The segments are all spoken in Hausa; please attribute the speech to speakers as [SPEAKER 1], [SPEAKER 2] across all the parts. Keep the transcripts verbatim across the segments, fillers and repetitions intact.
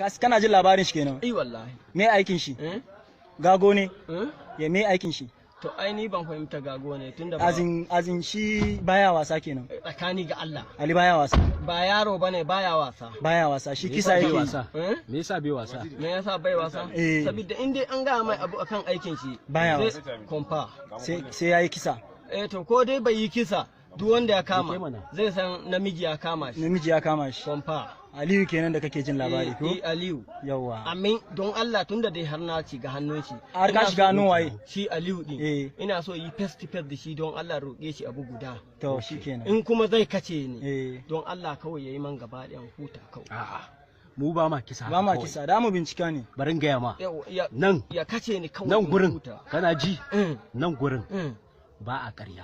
[SPEAKER 1] kana jin labarin shi kenan?
[SPEAKER 2] Eh wallahi.
[SPEAKER 1] Me aikin shi?
[SPEAKER 2] Eh?
[SPEAKER 1] Gago ne?
[SPEAKER 2] Eh?
[SPEAKER 1] Ya me aikin shi?
[SPEAKER 2] To ai ni ban fahimta gago ne tunda ba.
[SPEAKER 1] Azin azin shi baya wasa kenan.
[SPEAKER 2] Tsakani ga Allah.
[SPEAKER 1] Ali baya wasa.
[SPEAKER 2] Ba yaro bane baya wasa.
[SPEAKER 1] Baya wasa. Shi kisa yake
[SPEAKER 3] wasa.
[SPEAKER 2] Eh?
[SPEAKER 3] Me yasa bai wasa?
[SPEAKER 2] Me yasa bai wasa?
[SPEAKER 1] Eh.
[SPEAKER 2] Saboda in dai an ga mai abu akan aikin shi
[SPEAKER 1] Baya
[SPEAKER 2] sai
[SPEAKER 1] wasa.
[SPEAKER 2] komfa.
[SPEAKER 1] Sai sai yayi kisa.
[SPEAKER 2] Eh to ko dai bai yi kisa duk wanda ya kama
[SPEAKER 3] Yake mana.
[SPEAKER 2] zai san namiji ya kama shi.
[SPEAKER 1] Namiji ya kama shi.
[SPEAKER 2] Komfa.
[SPEAKER 1] Aliyu kenan da kake jin labari ko?
[SPEAKER 2] Eh, eh, Aliyu.
[SPEAKER 1] Yawwa.
[SPEAKER 2] Amin don Allah tunda dai har na ci ga hannun shi.
[SPEAKER 1] Har ka
[SPEAKER 2] ina
[SPEAKER 1] shiga
[SPEAKER 2] so-
[SPEAKER 1] hannun waye?
[SPEAKER 2] Shi Aliyu din.
[SPEAKER 1] Eh.
[SPEAKER 2] Ina so yi face to face da shi don Allah roƙe shi abu guda.
[SPEAKER 1] To shikenan.
[SPEAKER 2] In kuma zai kace ni.
[SPEAKER 1] Eh.
[SPEAKER 2] Don Allah kawai yayi man gaba ɗayan huta kawai.
[SPEAKER 3] A'a. Mu ba ma kisa.
[SPEAKER 1] Ba ma
[SPEAKER 3] kawai.
[SPEAKER 1] kisa, da mu bincika ne.
[SPEAKER 3] Barin gaya ma.
[SPEAKER 2] Yau, ya,
[SPEAKER 3] Nan.
[SPEAKER 2] ya kace ni kawai.
[SPEAKER 3] Nan
[SPEAKER 2] in
[SPEAKER 3] gurin.
[SPEAKER 2] huta.
[SPEAKER 3] Kana ji?
[SPEAKER 2] Mm,
[SPEAKER 3] Nan gurin
[SPEAKER 2] mm.
[SPEAKER 3] ba a ƙarya.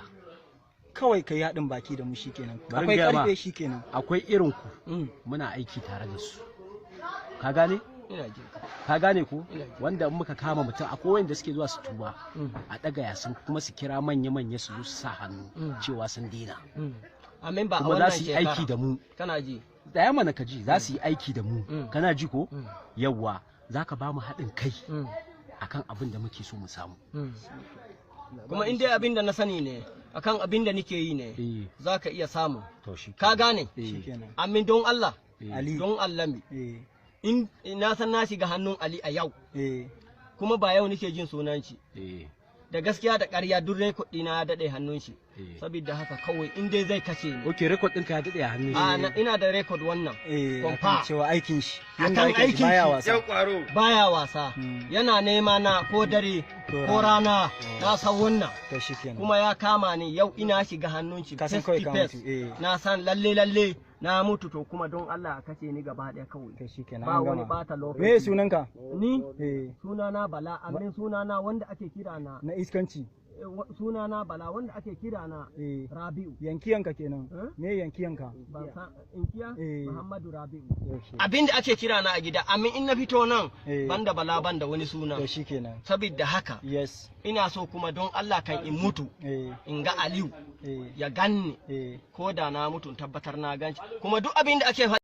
[SPEAKER 1] Kawai kai haɗin baki da mu shikenan.
[SPEAKER 3] Bari
[SPEAKER 1] Akwai
[SPEAKER 3] gaya ma.
[SPEAKER 1] karfe shikenan.
[SPEAKER 3] Akwai irin ku.
[SPEAKER 2] Mm.
[SPEAKER 3] Muna aiki tare da su. Ka gane?
[SPEAKER 2] Ina jin ka.
[SPEAKER 3] Ka gane ko?
[SPEAKER 2] Ina ji.
[SPEAKER 3] Wanda in muka kama mutum akwai wanda suke zuwa su tuba.
[SPEAKER 2] Mm.
[SPEAKER 3] A ɗaga yasin kuma su kira manya-manya su zo su sa hannu
[SPEAKER 2] Mm.
[SPEAKER 3] cewa sun dina.
[SPEAKER 2] Mm. Amin ba a
[SPEAKER 3] Kuma
[SPEAKER 2] wannan
[SPEAKER 3] za su yi
[SPEAKER 2] shekara.
[SPEAKER 3] aiki da mu.
[SPEAKER 2] Kana ji.
[SPEAKER 3] Da ya mana ka ji za su yi aiki da mu.
[SPEAKER 2] Mm.
[SPEAKER 3] Kana ji ko?
[SPEAKER 2] Mm.
[SPEAKER 3] Yawwa za ka ba mu haɗin kai
[SPEAKER 2] Mm.
[SPEAKER 3] akan abin da muke so mu samu.
[SPEAKER 2] Mm. Kuma in dai abin da na sani ne akan abin da nike yi ne
[SPEAKER 3] Eh.
[SPEAKER 2] za ka iya samu.
[SPEAKER 3] To shi.
[SPEAKER 2] Ka gane?
[SPEAKER 3] Eh.
[SPEAKER 1] Shikenan.
[SPEAKER 2] Amin don Allah.
[SPEAKER 3] Eh.
[SPEAKER 1] Ali.
[SPEAKER 2] Don Allah mi.
[SPEAKER 1] Eh.
[SPEAKER 2] In na san na shiga hannun Ali a yau
[SPEAKER 1] Eh.
[SPEAKER 2] kuma ba yau nike jin sunan shi.
[SPEAKER 3] Eh.
[SPEAKER 2] Da gaskiya da ƙarya duk rekod ɗina ya daɗe hannun shi.
[SPEAKER 3] Eh.
[SPEAKER 2] Saboda haka kawai in dai zai kace ni.
[SPEAKER 3] Ok, rekod ɗinka ya daɗe a hannun
[SPEAKER 2] A
[SPEAKER 3] shi.
[SPEAKER 2] na- ina da rekod wannan.
[SPEAKER 1] Eh.
[SPEAKER 2] Kwamfa.
[SPEAKER 1] Akan cewa aikin shi.
[SPEAKER 2] Akan
[SPEAKER 1] Yanda aikin shi
[SPEAKER 2] aikin
[SPEAKER 1] baya
[SPEAKER 2] shi.
[SPEAKER 1] wasa.
[SPEAKER 2] Baya wasa.
[SPEAKER 1] Mm.
[SPEAKER 2] Yana nema na ko dare
[SPEAKER 1] Ko
[SPEAKER 2] ko rana na san wannan.
[SPEAKER 1] To shikenan.
[SPEAKER 2] Kuma ya kama ni yau ina shiga hannun shi
[SPEAKER 1] Ka san
[SPEAKER 2] face
[SPEAKER 1] kawai
[SPEAKER 2] to
[SPEAKER 1] ka
[SPEAKER 2] face.
[SPEAKER 1] mutu, eh.
[SPEAKER 2] Na san lalle lalle na mutu to kuma don Allah a kace ni gaba ɗaya kawai.
[SPEAKER 1] To shikenan.
[SPEAKER 2] Ba
[SPEAKER 1] an
[SPEAKER 2] wani
[SPEAKER 1] gama.
[SPEAKER 2] bata lokaci.
[SPEAKER 1] Me sunanka?
[SPEAKER 2] Ni
[SPEAKER 1] Eh.
[SPEAKER 2] sunana Bala amin sunana wanda ake kira na
[SPEAKER 1] Na iskanci.
[SPEAKER 2] eh, wa- sunana Bala wanda ake kira na
[SPEAKER 1] Eh.
[SPEAKER 2] Rabi'u.
[SPEAKER 1] Yankiyanka kenan.
[SPEAKER 2] Eh?
[SPEAKER 1] Me yankiyanka?
[SPEAKER 2] Ban san inkiya
[SPEAKER 1] Eh.
[SPEAKER 2] Muhammadu Rabi'u.
[SPEAKER 1] Yaushe.
[SPEAKER 2] Abin da ake kira na a gida amin in na fito nan
[SPEAKER 1] Eh.
[SPEAKER 2] banda Bala banda wani suna.
[SPEAKER 1] To shikenan.
[SPEAKER 2] Saboda haka
[SPEAKER 1] Yes.
[SPEAKER 2] ina so kuma don Allah kan in mutu
[SPEAKER 1] Eh.
[SPEAKER 2] in ga Aliyu
[SPEAKER 1] Eh.
[SPEAKER 2] ya ganni
[SPEAKER 1] Eh.
[SPEAKER 2] ko da na mutu in tabbatar na ganci kuma duk abin da ake faɗi